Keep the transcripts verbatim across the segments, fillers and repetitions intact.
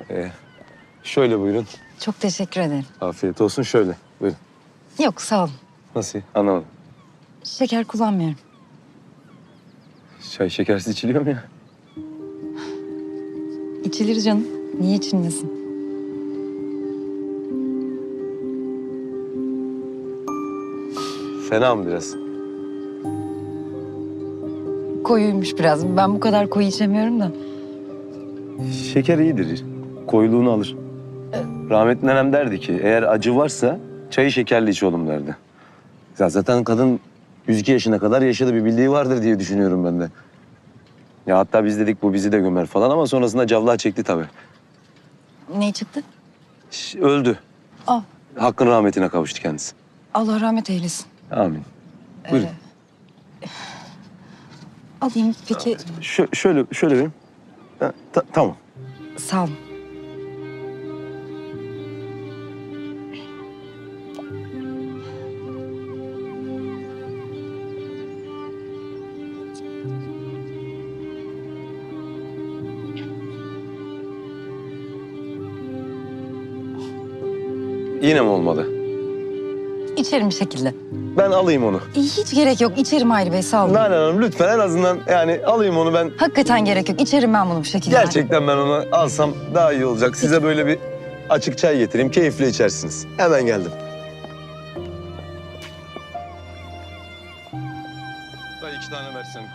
Ee, şöyle buyurun. Çok teşekkür ederim. Afiyet olsun şöyle. Buyurun. Yok sağ olun. Nasıl? Anlamadım. Şeker kullanmıyorum. Çay şekersiz içiliyor mu ya? İçilir canım. Niye içilmesin? Fena mı biraz? Koyuymuş biraz. Ben bu kadar koyu içemiyorum da. Şeker iyidir. Koyuluğunu alır. Rahmetli nenem derdi ki eğer acı varsa çayı şekerli iç oğlum derdi. Ya zaten kadın yüz iki yaşına kadar yaşadı, bir bildiği vardır diye düşünüyorum ben de. Ya hatta biz dedik bu bizi de gömer falan ama sonrasında cavlağı çekti tabii. Ne çıktı? Ş- Öldü. Aa, Hakkın rahmetine kavuştu kendisi. Allah rahmet eylesin. Amin. Buyurun. Alayım peki. Şö- şöyle, şöyle vereyim. Ha, ta- tamam. Sağ olun. Yine mi olmadı? İçerim bir şekilde. Ben alayım onu. Hiç gerek yok. İçerim Hayri Bey sağ olun. Nalan Hanım lütfen en azından yani alayım onu ben. Hakikaten gerek yok. İçerim ben bunu bu şekilde. Gerçekten ben onu alsam daha iyi olacak. Size böyle bir açık çay getireyim. Keyifle içersiniz. Hemen geldim. Dayı iki tane versene.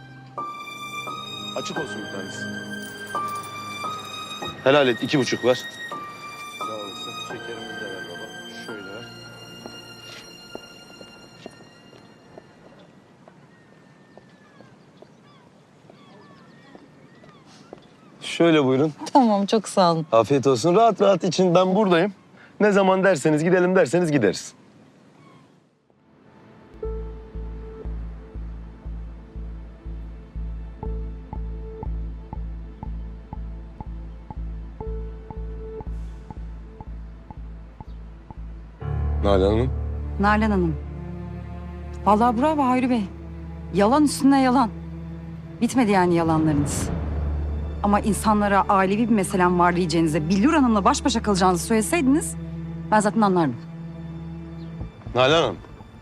Açık olsun bir tanesi. Helal et. iki buçuk ver. Sağ olasın. Şekerimizi de ver baba. Şöyle ver. Şöyle buyurun. Tamam çok sağ olun. Afiyet olsun. Rahat rahat için ben buradayım. Ne zaman derseniz gidelim derseniz gideriz. Nalan Hanım. Nalan Hanım. Vallahi bravo Hayri Bey. Yalan üstüne yalan. Bitmedi yani yalanlarınız. Ama insanlara ailevi bir meselem var diyeceğinize, Billur Hanım'la baş başa kalacağınızı söyleseydiniz ben zaten anlardım. Nalan Hanım.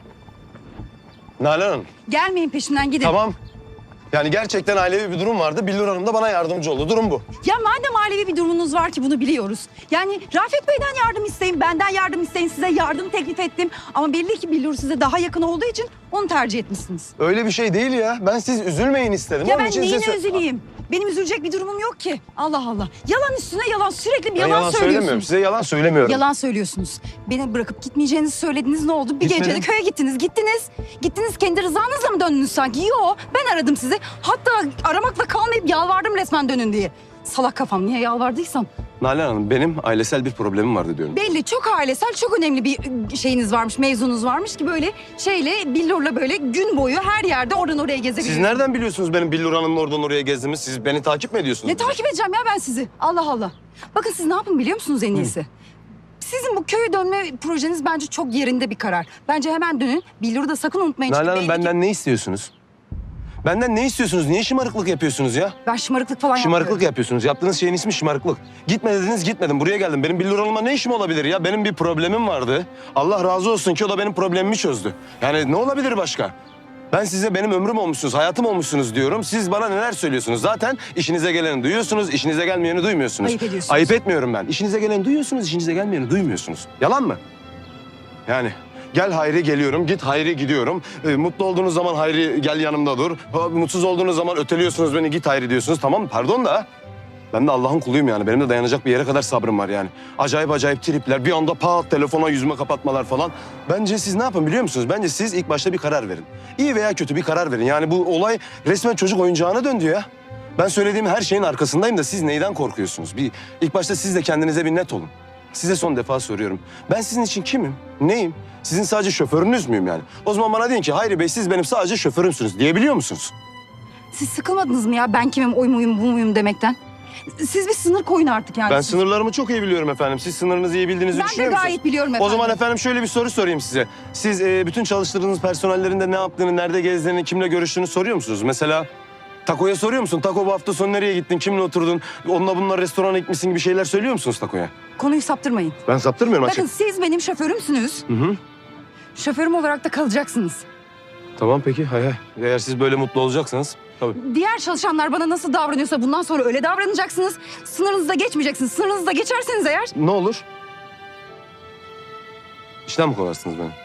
Nalan Hanım. Gelmeyin peşimden gidin. Tamam. Yani gerçekten ailevi bir durum vardı. Billur Hanım da bana yardımcı oldu. Durum bu. Ya madem ailevi bir durumunuz var ki bunu biliyoruz. Yani Rafet Bey'den yardım isteyin, benden yardım isteyin. Size yardım teklif ettim. Ama belli ki Billur size daha yakın olduğu için onu tercih etmişsiniz. Öyle bir şey değil ya. Ben siz üzülmeyin istedim. Ya Onun ben için size neyine sö- üzüleyim? Benim üzülecek bir durumum yok ki. Allah Allah. Yalan üstüne yalan. Sürekli bir Ben yalan, yalan söylemiyorum. söylüyorsunuz. Size yalan söylemiyorum. Yalan söylüyorsunuz. Beni bırakıp gitmeyeceğinizi söylediniz. Ne oldu? Bir Gitmedim. gecede köye gittiniz. Gittiniz. Gittiniz kendi rızanızla mı döndünüz sanki? Yo, ben aradım sizi. Hatta aramakla kalmayıp yalvardım resmen dönün diye. Salak kafam niye yalvardıysam. Nalan Hanım benim ailesel bir problemim vardı diyorum. Belli çok ailesel, çok önemli bir şeyiniz varmış, mevzunuz varmış ki böyle şeyle, billurla böyle gün boyu her yerde oradan oraya gezebiliyorsunuz. Siz nereden biliyorsunuz benim Billur Hanım'la oradan oraya gezdiğimi? Siz beni takip mi ediyorsunuz? Ne takip edeceğim ya ben sizi? Allah Allah. Bakın siz ne yapın biliyor musunuz en iyisi? Sizin bu köye dönme projeniz bence çok yerinde bir karar. Bence hemen dönün. Billur'u da sakın unutmayın. Çünkü Nalan Hanım belli ki- benden ne istiyorsunuz? Benden ne istiyorsunuz? Niye şımarıklık yapıyorsunuz ya? Ben şımarıklık falan Şımarıklık yapmıyorum. yapıyorsunuz. Yaptığınız şeyin ismi şımarıklık. Gitme dediniz gitmedim. Buraya geldim. Benim Billur Hanım'la ne işim olabilir ya? Benim bir problemim vardı. Allah razı olsun ki o da benim problemimi çözdü. Yani ne olabilir başka? Ben size benim ömrüm olmuşsunuz, hayatım olmuşsunuz diyorum. Siz bana neler söylüyorsunuz? Zaten işinize geleni duyuyorsunuz, işinize gelmeyeni duymuyorsunuz. Ayıp ediyorsunuz. Ayıp etmiyorum ben. İşinize geleni duyuyorsunuz, işinize gelmeyeni duymuyorsunuz. Yalan mı? Yani gel Hayri geliyorum, git Hayri gidiyorum. Ee, mutlu olduğunuz zaman Hayri gel yanımda dur. Ha, mutsuz olduğunuz zaman öteliyorsunuz beni, git Hayri diyorsunuz. Tamam pardon da ben de Allah'ın kuluyum yani. Benim de dayanacak bir yere kadar sabrım var yani. Acayip acayip tripler, bir anda pat telefona yüzüme kapatmalar falan. Bence siz ne yapın biliyor musunuz? Bence siz ilk başta bir karar verin. İyi veya kötü bir karar verin. Yani bu olay resmen çocuk oyuncağına döndü ya. Ben söylediğim her şeyin arkasındayım da siz neyden korkuyorsunuz? Bir ilk başta siz de kendinize bir net olun. Size son defa soruyorum. Ben sizin için kimim? Neyim? Sizin sadece şoförünüz müyüm yani? O zaman bana deyin ki Hayri Bey siz benim sadece şoförümsünüz diyebiliyor musunuz? Siz sıkılmadınız mı ya ben kimim, oy muyum, bu muyum demekten? Siz bir sınır koyun artık yani. Ben Siz- sınırlarımı çok iyi biliyorum efendim. Siz sınırınızı iyi bildiğinizi Ben de düşünüyor musunuz? gayet biliyorum efendim. O zaman efendim şöyle bir soru sorayım size. Siz e, bütün çalıştırdığınız personellerinde ne yaptığını, nerede gezdiğini, kimle görüştüğünü soruyor musunuz? Mesela Tako'ya soruyor musun? Tako bu hafta sonu nereye gittin? Kimle oturdun? Onunla bununla restorana gitmişsin gibi şeyler söylüyor musunuz Tako'ya? Konuyu saptırmayın. Ben saptırmıyorum Bakın açık. siz benim şoförümsünüz. Hı hı. Şoförüm olarak da kalacaksınız. Tamam peki hay hay. Eğer siz böyle mutlu olacaksanız tabii. Diğer çalışanlar bana nasıl davranıyorsa bundan sonra öyle davranacaksınız. Sınırınızı da geçmeyeceksiniz. Sınırınızı da geçerseniz eğer... Ne olur? İşten mi kovarsınız beni?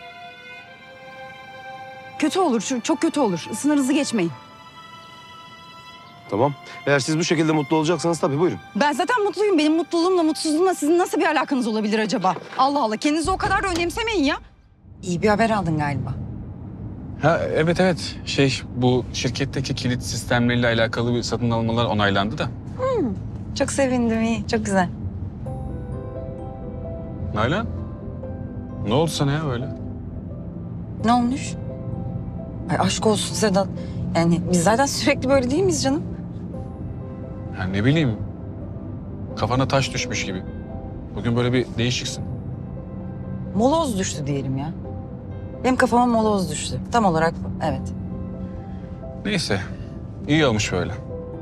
Kötü olur, şu- çok kötü olur. Sınırınızı geçmeyin. Tamam. Eğer siz bu şekilde mutlu olacaksanız tabii buyurun. Ben zaten mutluyum. Benim mutluluğumla, mutsuzluğumla sizin nasıl bir alakanız olabilir acaba? Allah Allah, kendinizi o kadar da önemsemeyin ya. İyi bir haber aldın galiba. Ha evet evet şey bu şirketteki kilit sistemleriyle alakalı bir satın almalar onaylandı da. Çok sevindim, iyi. Çok güzel. Nalan ne oldu sana ya böyle? Ne olmuş? Ay aşk olsun Sedat. Yani biz zaten sürekli böyle değil miyiz canım? Ya ne bileyim kafana taş düşmüş gibi. Bugün böyle bir değişiksin. Moloz düştü diyelim ya. Benim kafama moloz düştü. Tam olarak bu, evet. Neyse iyi olmuş böyle.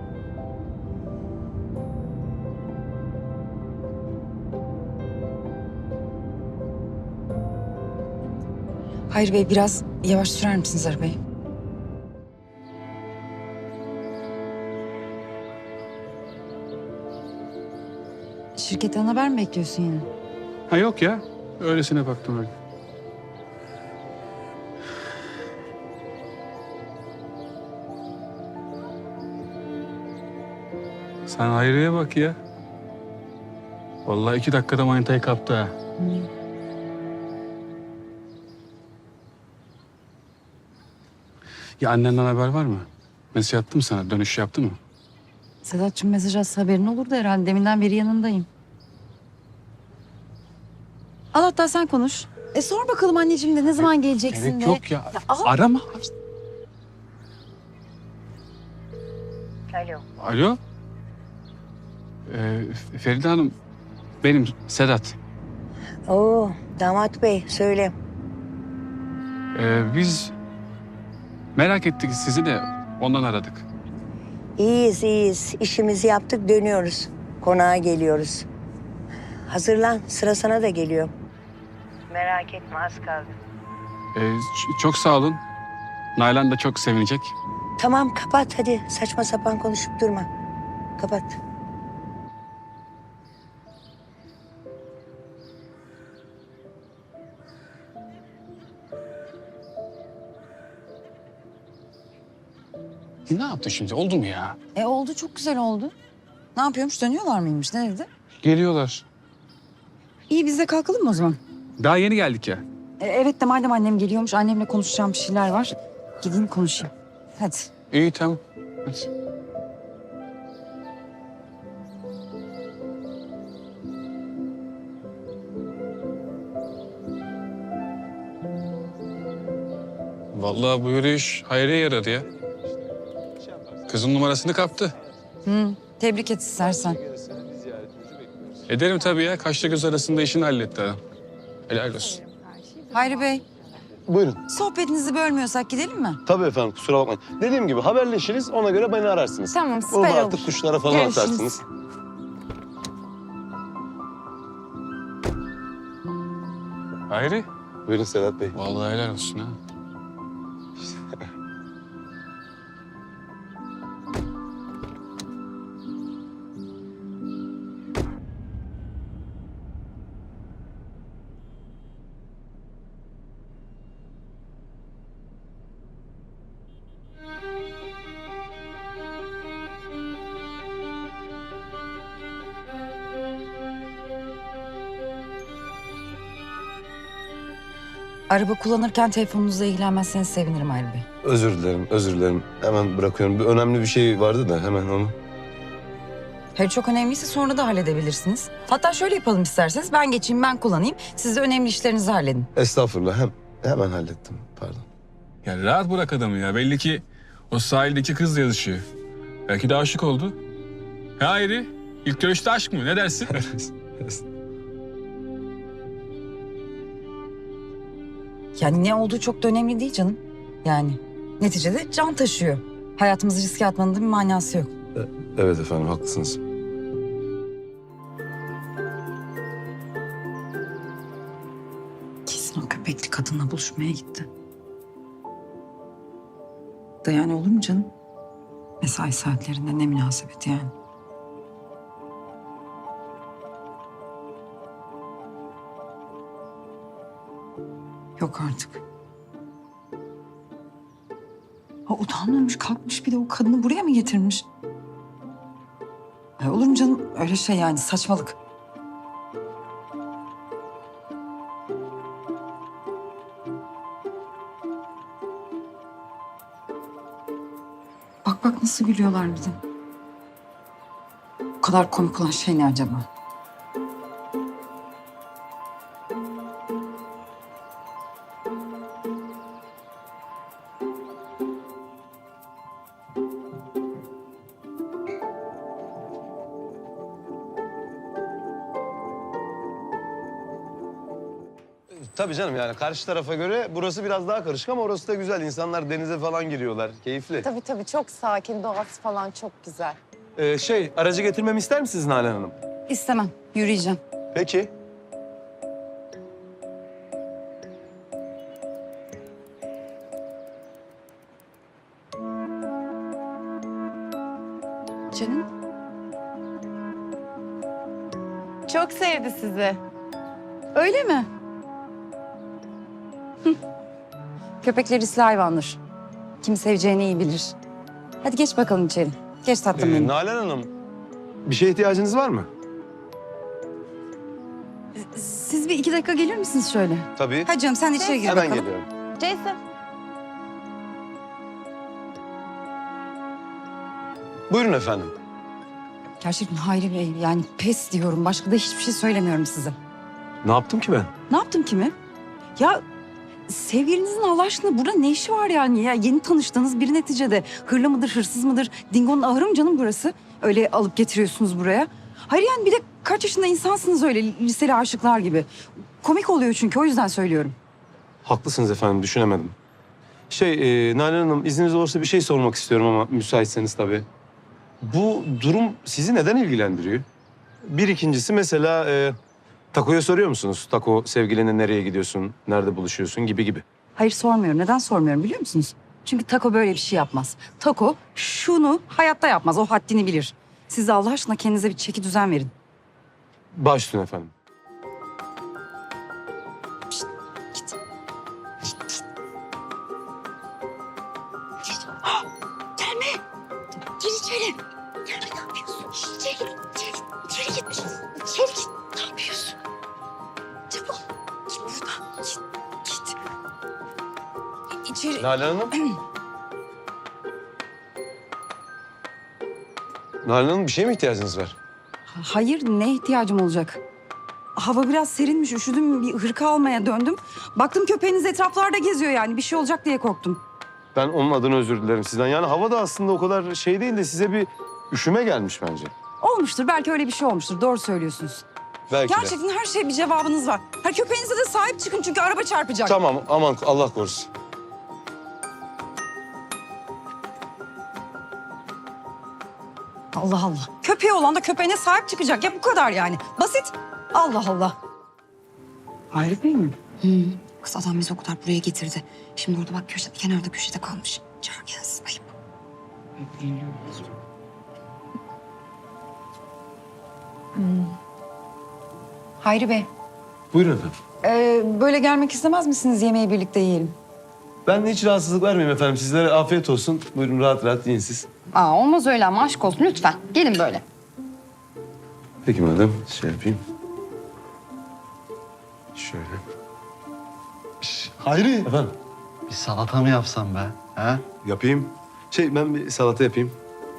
Hayır Bey, biraz yavaş sürer misiniz arabayı? Şirketten haber mi bekliyorsun yine? Ha yok ya öylesine baktım öyle. Sen Hayri'ye bak ya. Vallahi iki dakikada manitayı kaptı ha. Ya annenden haber var mı? Mesaj attı mı sana? Dönüş yaptı mı? Sedat'cığım mesaj atsa haberin olurdu herhalde. Deminden beri yanındayım. Al hatta sen konuş. E sor bakalım anneciğim de ne zaman geleceksin Gerek de. yok ya. Ya al. Arama. Alo. Alo. Ee, Feride Hanım, benim Sedat. Oo, damat bey söyle. Ee, biz merak ettik sizi de ondan aradık. İyiyiz iyiyiz. İşimizi yaptık dönüyoruz. Konağa geliyoruz. Hazırlan sıra sana da geliyor. Merak etme az kaldı. Ee, ç- çok sağ olun. Nalan da çok sevinecek. Tamam kapat hadi saçma sapan konuşup durma. Kapat. Ne yaptın şimdi? Oldu mu ya? E oldu, çok güzel oldu. Ne yapıyormuş, dönüyorlar mıymış, ne dedi? Geliyorlar. İyi, biz de kalkalım mı o zaman? Daha yeni geldik ya. E, evet de madem annem geliyormuş, annemle konuşacağım bir şeyler var. Gideyim konuşayım. Hadi. İyi tamam. Hadi. Vallahi bu yürüyüş hayra yaradı ya. Kızın numarasını kaptı. Hı, tebrik et istersen. Ederim tabii ya. Kaşla göz arasında işini halletti adam. Helal olsun. Hayri Bey, Buyurun. sohbetinizi bölmüyorsak gidelim mi? Tabii efendim kusura bakmayın. Dediğim gibi haberleşiriz ona göre beni ararsınız. Tamam, Onu süper da olur. artık kuşlara falan Görüşürüz. atarsınız. Hayri. Buyurun Sedat Bey. Vallahi helal olsun ha. Araba kullanırken telefonunuzla ilgilenmezseniz sevinirim Hayri Bey. Özür dilerim, özür dilerim. Hemen bırakıyorum. Bir önemli bir şey vardı da hemen onu. Hayır, çok önemliyse sonra da halledebilirsiniz. Hatta şöyle yapalım isterseniz, ben geçeyim, ben kullanayım. Siz de önemli işlerinizi halledin. Estağfurullah. Hem, hemen hallettim. Pardon. Ya rahat bırak adamı ya. Belli ki o sahildeki kızla yazışıyor. Belki de aşık oldu. Ha Hayri? İlk görüşte aşk mı? Ne dersin? Yani ne olduğu çok da önemli değil canım. Yani neticede can taşıyor. Hayatımızı riske atmanın da bir manası yok. Evet efendim, haklısınız. Kesin o köpekli kadınla buluşmaya gitti. Da yani olur mu canım? Mesai saatlerinde ne münasebet yani. Yok artık. Ha, utanmamış, kalkmış bir de o kadını buraya mı getirmiş? Ay, olur mu canım? Öyle şey yani, saçmalık. Bak bak nasıl gülüyorlar bir de. Bu kadar komik olan şey ne acaba? Tabii canım, yani karşı tarafa göre burası biraz daha karışık ama orası da güzel. İnsanlar denize falan giriyorlar. Keyifli. Tabii tabii çok sakin, doğası falan çok güzel. Ee, şey, aracı getirmemi ister misiniz Nalan Hanım? İstemem. Yürüyeceğim. Peki. Canım. Çok sevdi sizi. Öyle mi? Hı. Köpekler hisli hayvandır. Kim seveceğini iyi bilir. Hadi geç bakalım içeri. Geç tatlım Ee, benim. Nalan Hanım, bir şeye ihtiyacınız var mı? Siz bir iki dakika gelir misiniz şöyle? Tabii. Hadi canım sen de içeri gir Hemen bakalım. geliyorum. Jason. Buyurun efendim. Gerçekten Hayri Bey yani pes diyorum. Başka da hiçbir şey söylemiyorum size. Ne yaptım ki ben? Ne yaptım ki mi? Ya sevgilinizin Allah aşkına burada ne işi var yani? Ya yeni tanıştığınız biri neticede. Hırlı mıdır, hırsız mıdır? Dingo'nun ahırı mı canım burası? Öyle alıp getiriyorsunuz buraya. Hayır yani bir de kaç yaşında insansınız öyle liseli aşıklar gibi. Komik oluyor çünkü o yüzden söylüyorum. Haklısınız efendim, düşünemedim. Şey, e, Nalan Hanım, izniniz olursa bir şey sormak istiyorum ama müsaitseniz tabii. Bu durum sizi neden ilgilendiriyor? Bir ikincisi mesela e, Tako'ya soruyor musunuz? Tako, sevgilinle nereye gidiyorsun, nerede buluşuyorsun gibi gibi. Hayır sormuyorum. Neden sormuyorum biliyor musunuz? Çünkü Tako böyle bir şey yapmaz. Tako şunu hayatta yapmaz. O haddini bilir. Siz de Allah aşkına kendinize bir çeki düzen verin. Baş üstüne efendim. Git. Gelme. Gir içeri. Gelme ne yapıyorsun? İçeri git. İçeri git. İçeri git. İçeri git. Ne yapıyorsun? Çabuk. Git buradan. Git. Git. İçeri. Nalan Hanım. Nalan Hanım, bir şeye mi ihtiyacınız var? Hayır ne ihtiyacım olacak? Hava biraz serinmiş. Üşüdüm. Bir hırka almaya döndüm. Baktım köpeğiniz etraflarda geziyor yani. Bir şey olacak diye korktum. Ben onun adına özür dilerim sizden. Yani hava da aslında o kadar şey değil de size bir üşüme gelmiş bence. Olmuştur. Belki öyle bir şey olmuştur. Doğru söylüyorsunuz. Belki de. Gerçekten her şeye bir cevabınız var. Her köpeğinize de sahip çıkın çünkü araba çarpacak. Tamam, aman Allah korusun. Allah Allah. Köpeği olan da köpeğine sahip çıkacak. Ya bu kadar yani. Basit. Allah Allah. Hayri Bey mi? Kız adam bizi o kadar buraya getirdi. Şimdi orada bak köşede, kenarda köşede kalmış. Çağır gelsin, ayıp. Hayri Bey, Buyurun efendim. ee, böyle gelmek istemez misiniz? Yemeği birlikte yiyelim. Ben de hiç rahatsızlık vermeyeyim efendim. Sizlere afiyet olsun. Buyurun rahat rahat yiyin siz. Aa, olmaz öyle ama aşk olsun lütfen. Gelin böyle. Peki madem şey yapayım. Şöyle. Hayri, Efendim bir salata mı yapsam be? He? yapayım. Şey ben bir salata yapayım.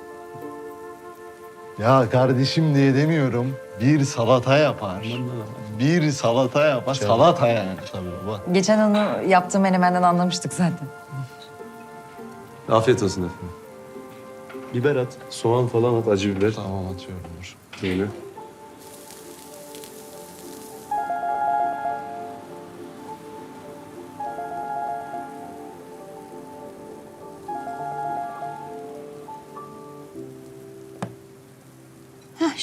Ya kardeşim diye demiyorum. Bir salata yapar. Bir salata yapar. Salata yani tabii baba. Geçen onu yaptığım menemenden anlamıştık zaten. Afiyet olsun efendim. Biber at, soğan falan at, acı biber. Tamam atıyorum dur. Böyle.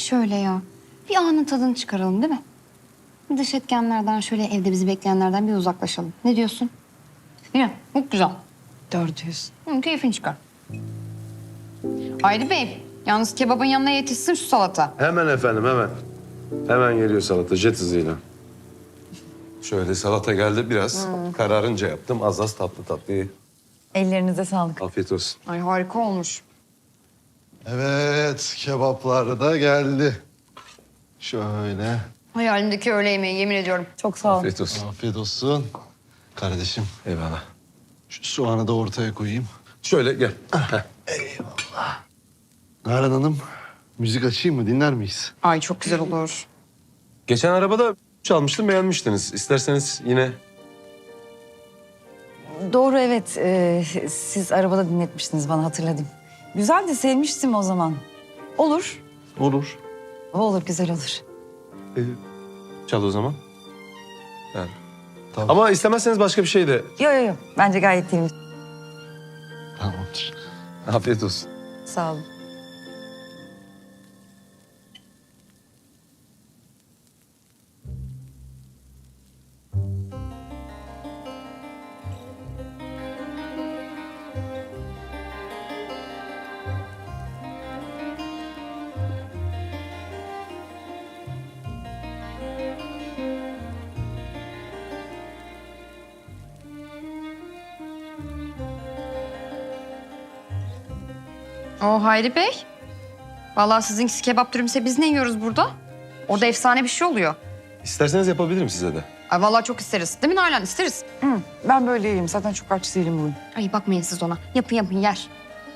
şöyle ya. Bir anın tadını çıkaralım değil mi? Dış etkenlerden şöyle evde bizi bekleyenlerden bir uzaklaşalım. Ne diyorsun? Yine çok güzel. Dört yüz. Hı, keyfini çıkar. Hayri Bey, yalnız kebabın yanına yetişsin şu salata. Hemen efendim hemen. Hemen geliyor salata jet hızıyla. Şöyle salata geldi biraz. Kararınca yaptım. Az az tatlı tatlı. ye. Ellerinize sağlık. Afiyet olsun. Ay harika olmuş. Evet, kebaplar da geldi. Şöyle. Hayalimdeki öğle yemeği yemin ediyorum. Çok sağ olun. Afiyet olsun. Afiyet olsun. Kardeşim, Eyvallah. şu soğanı da ortaya koyayım. Şöyle gel. Nalan Hanım, müzik açayım mı? Dinler miyiz? Ay çok güzel olur. Geçen arabada çalmıştım beğenmiştiniz. İsterseniz yine... Doğru evet. Ee, siz arabada dinletmiştiniz bana hatırladım. Güzel de sevmiştim o zaman. Olur. Olur. Olur güzel olur. e, çal o zaman. Yani. Tamam. Ama istemezseniz başka bir şey de... Yok yok yok. Bence gayet temiz. Tamamdır. Afiyet olsun. Sağ olun. O Hayri Bey. Vallahi sizinkisi kebap dürümse biz ne yiyoruz burada? Orada efsane bir şey oluyor. İsterseniz yapabilirim size de. Ay vallahi çok isteriz. Değil mi Nalan? İsteriz. Hı, ben böyle iyiyim. Zaten çok aç değilim bugün. Ay bakmayın siz ona. Yapın yapın yer.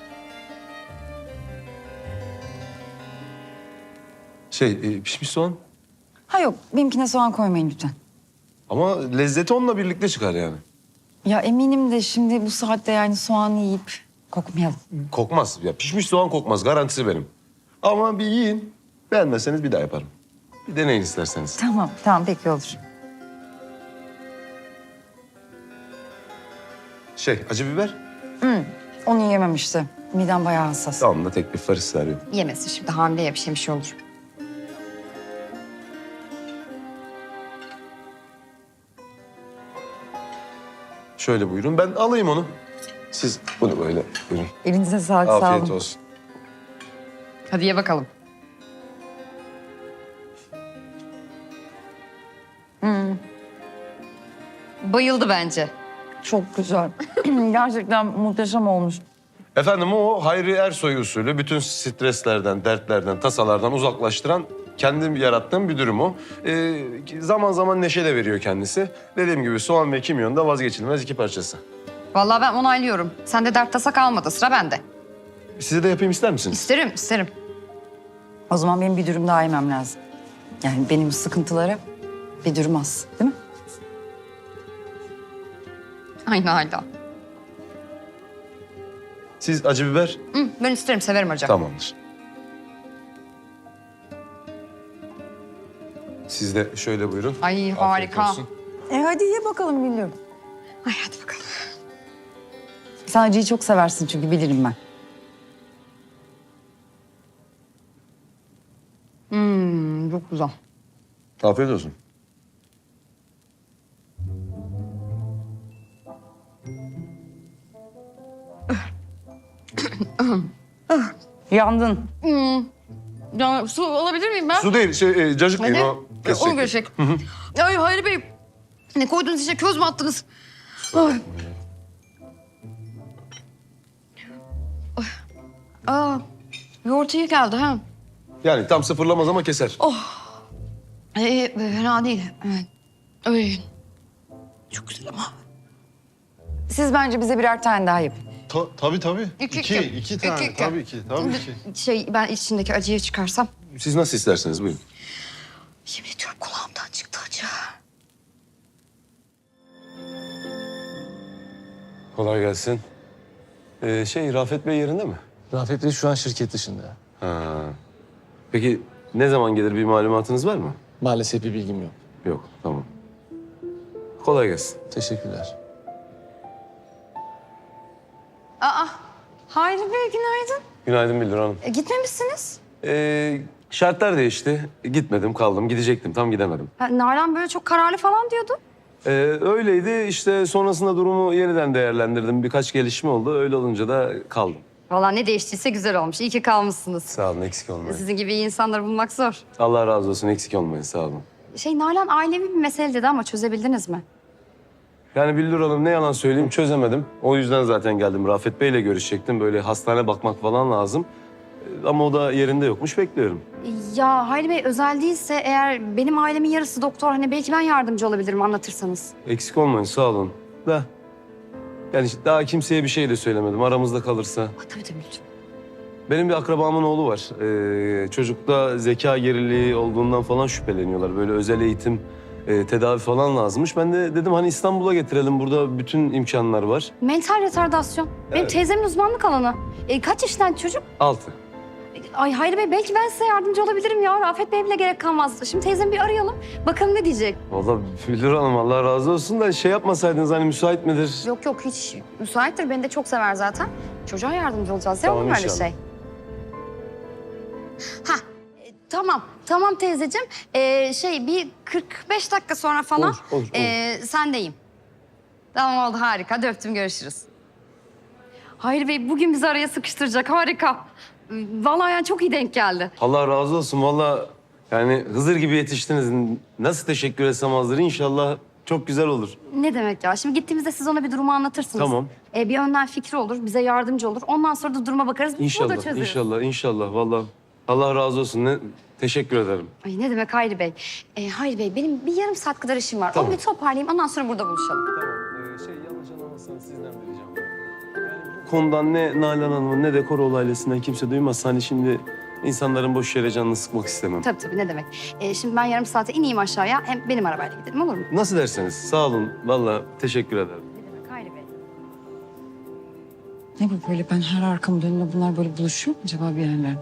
Şey e, pişmiş soğan. Ha yok benimkine soğan koymayın lütfen. Ama lezzeti onunla birlikte çıkar yani. Ya eminim de şimdi bu saatte yani soğan yiyip kokmayalım. Kokmaz. Ya pişmiş soğan kokmaz. Garantisi benim. Ama bir yiyin. Beğenmezseniz bir daha yaparım. Bir deneyin isterseniz. Tamam tamam peki olur. Şey acı biber. Onu yiyemem işte. Midem bayağı hassas. Tamam da tek bir faris veriyorum. Yemesin şimdi hamileye bir şey bir şey olur. Şöyle buyurun. Ben alayım onu. Siz bunu böyle buyurun. Elinize sağlık sağ olun. Afiyet olsun. Hadi ye bakalım. Bayıldı bence. Çok güzel. Gerçekten muhteşem olmuş. Efendim o Hayri Ersoy usulü bütün streslerden, dertlerden, tasalardan uzaklaştıran kendim yarattığım bir durum o. Ee, zaman zaman neşe de veriyor kendisi. Dediğim gibi soğan ve kimyon da vazgeçilmez iki parçası. Vallahi ben onaylıyorum. Sende dert tasa kalmadı. Sıra bende. Size de yapayım ister misiniz? İsterim, isterim. O zaman benim bir dürüm daha yemem lazım. Yani benim sıkıntılara bir dürüm az değil mi? Aynı hala. Siz acı biber? Hı, ben isterim, severim hocam. Tamamdır. Siz de şöyle buyurun. Ay Afiyet harika. olsun. E hadi ye bakalım biliyorum. Ay hadi bakalım. Sen acıyı çok seversin çünkü bilirim ben. Hmm, çok güzel. Afiyet olsun. Yandın. Hmm. Ya, su alabilir miyim ben? Su değil, şey, e, cacık Ne? değil o. kesecek. Onu görecek. Ay Hayri Bey. Ne koydunuz içine? Köz mü attınız? Ay. Ay. Aa, yoğurt iyi geldi ha. Yani tam sıfırlamaz ama keser. Ee, fena değil. Evet. Ay. Çok güzel ama. Siz bence bize birer tane daha yapın. Ta- tabii tabii. İki, iki, iki. iki tane. İki, iki. Tabii ki, tabii ki. Şey ben içindeki acıyı çıkarsam. Siz nasıl isterseniz buyurun. Yemin ediyorum kulağımdan çıktı acı. Kolay gelsin. Ee, şey Rafet Bey yerinde mi? Rafet Bey şu an şirket dışında. Ha. Peki ne zaman gelir bir malumatınız var mı? Maalesef bir bilgim yok. Yok, tamam. Kolay gelsin. Teşekkürler. Aa, Hayri Bey günaydın. Günaydın Bildir Hanım. E, gitmemişsiniz. Ee, Şartlar değişti. Gitmedim, kaldım. Gidecektim, tam gidemedim. Ha, Nalan böyle çok kararlı falan diyordu. Ee, öyleydi. İşte sonrasında durumu yeniden değerlendirdim. Birkaç gelişme oldu. Öyle olunca da kaldım. Vallahi ne değiştiyse güzel olmuş. İyi ki kalmışsınız. Sağ olun, eksik olmayın. Sizin gibi iyi insanları bulmak zor. Allah razı olsun, eksik olmayın. Sağ olun. Şey Nalan ailevi bir mesele dedi ama çözebildiniz mi? Yani Billur Hanım, ne yalan söyleyeyim, çözemedim. O yüzden zaten geldim. Rafet Bey'le görüşecektim. Böyle hastane bakmak falan lazım. Ee, Ama o da yerinde yokmuş. Bekliyorum. Ya Hayri Bey özel değilse eğer benim ailemin yarısı doktor hani belki ben yardımcı olabilirim anlatırsanız. Eksik olmayın, sağ olun. Da yani işte daha kimseye bir şey de söylemedim. Aramızda kalırsa. Ha, tabii tabii lütfen. Benim bir akrabamın oğlu var. Ee, çocukta zeka geriliği olduğundan falan şüpheleniyorlar. Böyle özel eğitim, e, tedavi falan lazımmış. Ben de dedim hani İstanbul'a getirelim. Burada bütün imkanlar var. Mental retardasyon. Benim Evet. teyzemin uzmanlık alanı. E, kaç yaşından çocuk? Altı. Ay Hayri Bey belki ben size yardımcı olabilirim ya. Rafet Bey bile gerek kalmaz. Şimdi teyzemi bir arayalım. Bakalım ne diyecek. Vallahi Billur Hanım, Allah razı olsun da şey yapmasaydınız, hani müsait midir? Yok yok hiç müsaittir. Beni de çok sever zaten. Çocuğa yardımcı olacağız. Tamam, Tamam, öyle inşallah. şey. Ha e, tamam. Tamam teyzeciğim. E, şey bir kırk beş dakika sonra falan Olur, olur, olur. e, sendeyim. Tamam oldu harika. Hadi öptüm görüşürüz. Hayri Bey bugün bizi araya sıkıştıracak. Harika. Vallahi yani çok iyi denk geldi. Allah razı olsun. Vallahi yani Hızır gibi yetiştiniz. Nasıl teşekkür etsem azdır. İnşallah çok güzel olur. Ne demek ya? Şimdi gittiğimizde siz ona bir durumu anlatırsınız. Tamam. E, bir önden fikri olur, bize yardımcı olur. Ondan sonra da duruma bakarız. Bunu da İnşallah, çözeriz. inşallah, inşallah. Vallahi Allah razı olsun. Ne, teşekkür ederim. Ay ne demek Hayri Bey? E, Hayri Bey benim bir yarım saat kadar işim var. Tamam. Onu bir toparlayayım ondan sonra burada buluşalım. Tamam. Ee, şey yanlış anlamazsanız sizden vereceğim. Yani bu konudan ne Nalan Hanım'ın ne de Koroğlu ailesinden kimse duymazsa hani şimdi insanların boş yere canını sıkmak istemem. Tabii tabii ne demek. E, şimdi ben yarım saate ineyim aşağıya. Hem benim arabayla gidelim olur mu? Nasıl derseniz. Sağ olun. Vallahi teşekkür ederim. Ne demek Hayri Bey? Ne bu böyle, ben her arkamı dönüyor bunlar böyle buluşuyor mu acaba bir yerlerde?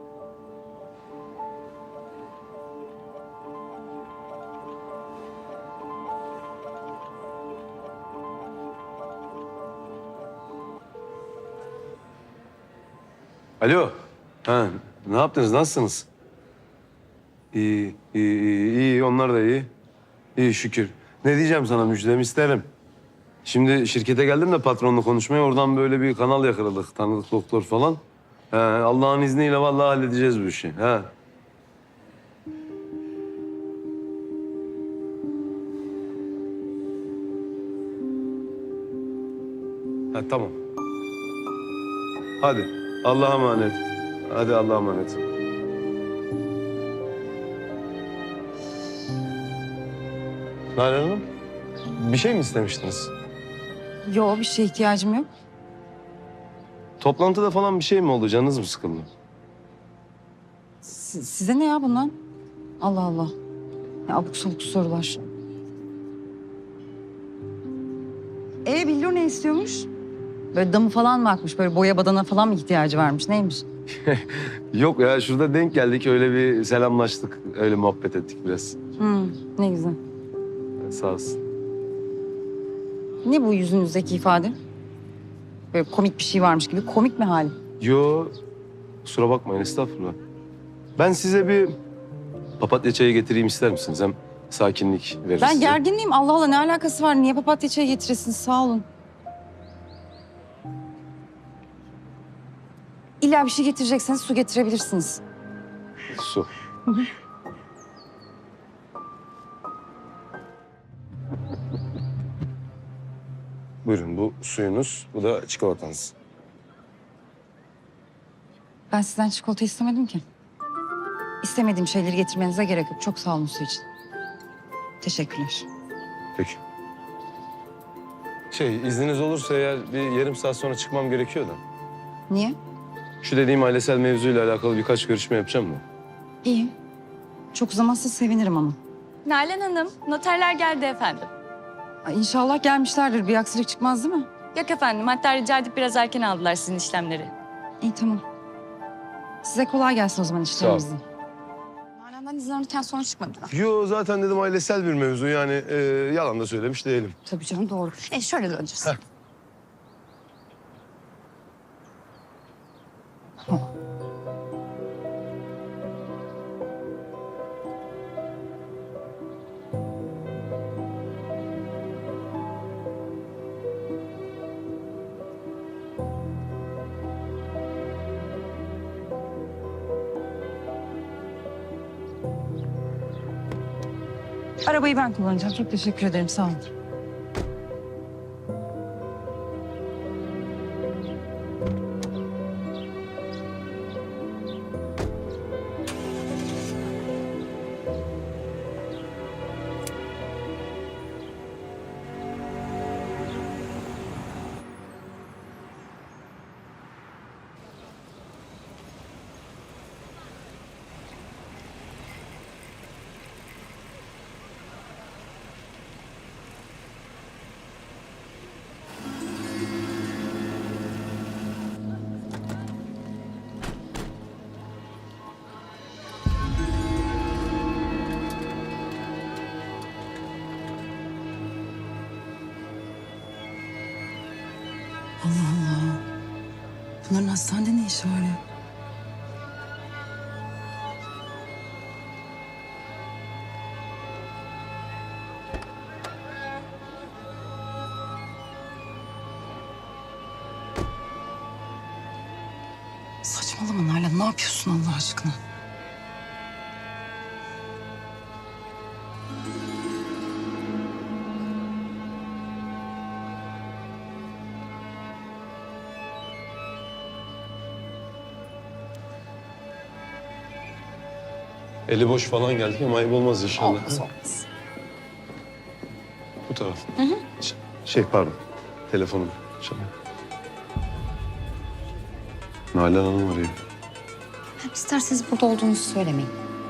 Alo. Ha, ne yaptınız? Nasılsınız? İyi, iyi, iyi, iyi. Onlar da iyi. İyi şükür. Ne diyeceğim sana, müjdemi isterim. Şimdi şirkete geldim de patronla konuşmaya. Oradan böyle bir kanal yakaladık. Tanıdık doktor falan. He, Allah'ın izniyle vallahi halledeceğiz bu işi. He. Ha, tamam. Hadi. Allah'a emanet. Hadi Allah'a emanet. Nalan Hanım, bir şey mi istemiştiniz? Yok, bir şeye ihtiyacım yok. Toplantıda falan bir şey mi oldu? Canınız mı sıkıldı? Si- size ne ya bundan? Allah Allah. Ya abuk sabuk sorular. E Billur ne istiyormuş? Böyle damı falan mı akmış? Böyle boya badana falan mı ihtiyacı varmış? Neymiş? Yok ya, şurada denk geldik. Öyle bir selamlaştık. Öyle muhabbet ettik biraz. Hı, ne güzel. Sağ olsun. Ne bu yüzünüzdeki ifade? Böyle komik bir şey varmış gibi. Komik mi hali? Yo, kusura bakmayın, estağfurullah. Ben size bir papatya çayı getireyim, ister misiniz? Hem sakinlik verir Ben size. gerginliğim. Allah Allah, ne alakası var? Niye papatya çayı getiresiniz? Sağ olun. İlla bir şey getirecekseniz su getirebilirsiniz. Su. Buyurun, bu suyunuz, bu da çikolatanız. Ben sizden çikolata istemedim ki. İstemediğim şeyleri getirmenize gerek yok. Çok sağ olun su için. Teşekkürler. Peki. Şey, izniniz olursa eğer bir yarım saat sonra çıkmam gerekiyor da. Niye? Şu dediğim ailesel mevzuyla alakalı birkaç görüşme yapacağım da. İyi. Çok uzamazsa sevinirim ama. Nalan Hanım, noterler geldi efendim. Ay, İnşallah gelmişlerdir. Bir aksilik çıkmaz değil mi? Yok efendim, hatta rica edip biraz erken aldılar sizin işlemleri. İyi, tamam. Size kolay gelsin o zaman işlerinizde. Nalan'dan izin alırken sonuç çıkmadı. Yo, zaten dedim ailesel bir mevzu, yani e, yalan da söylemiş değilim. Tabii canım doğru. E şöyle döneceğiz. Heh. Arabayı ben kullanacağım. Çok teşekkür ederim. Sağ olun. Allah Allah. Bunların hastanede ne işi var ya? Saçmalama Nalan. Ne yapıyorsun Allah aşkına? Eli boş falan geldik ama ayıp olmaz inşallah. Olmaz olmaz. Bu taraf. Hı hı. Şey pardon. Telefonum çalıyor. Nalan Hanım arıyor. İsterseniz burada olduğunuzu söylemeyin.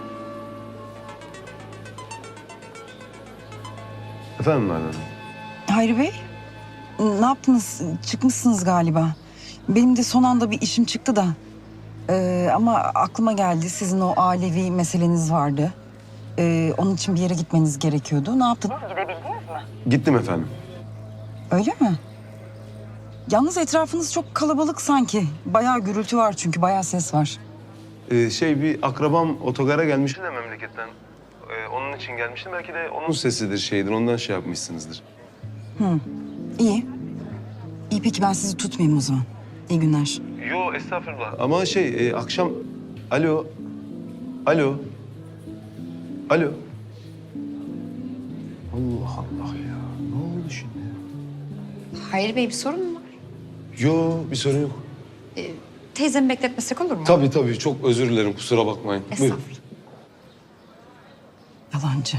Efendim Nalan Hanım? Hayri Bey, ne yaptınız? Çıkmışsınız galiba. Benim de son anda bir işim çıktı da. Ee, ama aklıma geldi, sizin o ailevi meseleniz vardı. Ee, onun için bir yere gitmeniz gerekiyordu. Ne yaptınız? Gittim efendim. Öyle mi? Yalnız etrafınız çok kalabalık sanki. Bayağı gürültü var çünkü, bayağı ses var. Ee, şey bir akrabam otogara gelmişti de memleketten. Ee, onun için gelmiştim. Belki de onun sesidir şeydir. Ondan şey yapmışsınızdır. İyi. İyi peki ben sizi tutmayayım o zaman. İyi günler. Yo estağfurullah. Ama şey e, akşam... Alo. Alo. Alo. Allah Allah ya. Ne oldu şimdi? Hayri Bey bir sorun mu var? Yo bir sorun yok. Teyzemi bekletmesek olur mu? Tabii tabii çok özür dilerim kusura bakmayın. Buyurun. Estağfurullah. Yalancı.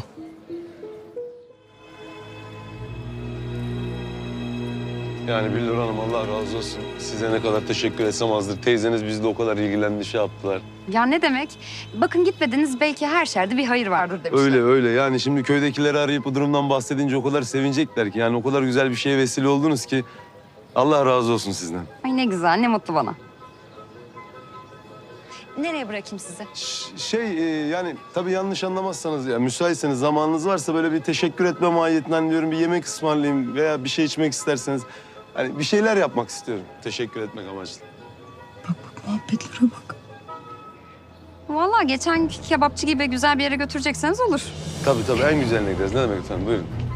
Yani Billur Hanım Allah razı olsun. Size ne kadar teşekkür etsem azdır. Teyzeniz bizle o kadar ilgilendi, şey yaptılar. Ya ne demek? Bakın gitmediniz, belki her şerde bir hayır vardır demişler. Öyle öyle yani şimdi köydekileri arayıp bu durumdan bahsedince o kadar sevinecekler ki. Yani o kadar güzel bir şeye vesile oldunuz ki. Allah razı olsun sizden. Ay ne güzel, ne mutlu bana. Nereye bırakayım sizi? Ş- Şey e, yani tabii yanlış anlamazsanız ya müsaitseniz zamanınız varsa böyle bir teşekkür etme mahiyetinden diyorum bir yemek ısmarlayayım veya bir şey içmek isterseniz. Hani bir şeyler yapmak istiyorum. Teşekkür etmek amaçlı. Bak bak muhabbetlere bak. Vallahi geçen günkü kebapçı gibi güzel bir yere götürecekseniz olur. Tabii tabii en güzeline gideriz. Ne demek efendim buyurun.